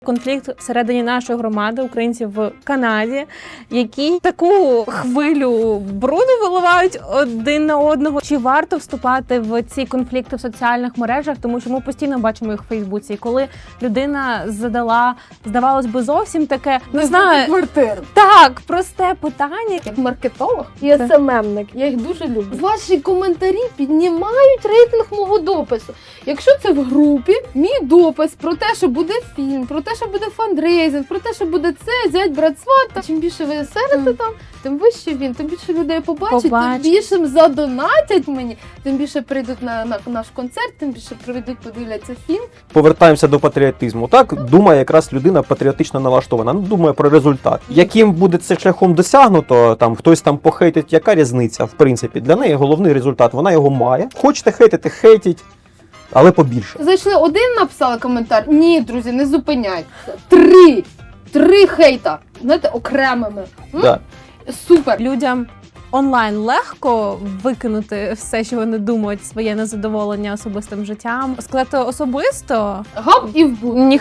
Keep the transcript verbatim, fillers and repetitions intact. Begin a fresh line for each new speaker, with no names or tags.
Конфлікт всередині нашої громади, українців в Канаді, які таку хвилю бруду виливають один на одного. Чи варто вступати в ці конфлікти в соціальних мережах, тому що ми постійно бачимо їх в Фейсбуці. І коли людина задала, здавалось би, зовсім таке, не знаю,
квартиру.
так, просте питання.
Як маркетолог і ес ем ем-ник, я їх дуже люблю. Ваші коментарі піднімають рейтинг мого допису. Якщо це в групі, мій допис про те, що буде фільм, про те, що буде фандрейзинг, про те, що буде це, зять, брат, сват, чим більше ви серите там, тим вище він, тим більше людей побачить,
Побачить.
тим більше задонатять мені, тим більше прийдуть на, на наш концерт, тим більше прийдуть, подивляться фільм.
Повертаємося до патріотизму. Так думає якраз людина патріотично налаштована. Ну, думає про результат. Яким буде це шляхом досягнуто, там хтось там похейтить, яка різниця? В принципі, для неї головний результат. Вона його має. Хочете хейтити, хейтіть, але побільше.
Зайшли один, написали коментар. Ні, друзі, не зупиняйтеся. Три! Три хейта. Знаєте, окремими. М?
Да.
Супер.
Людям онлайн легко викинути все, що вони думають, своє незадоволення особистим життям. Сказати особисто
Гап і в бу.
ні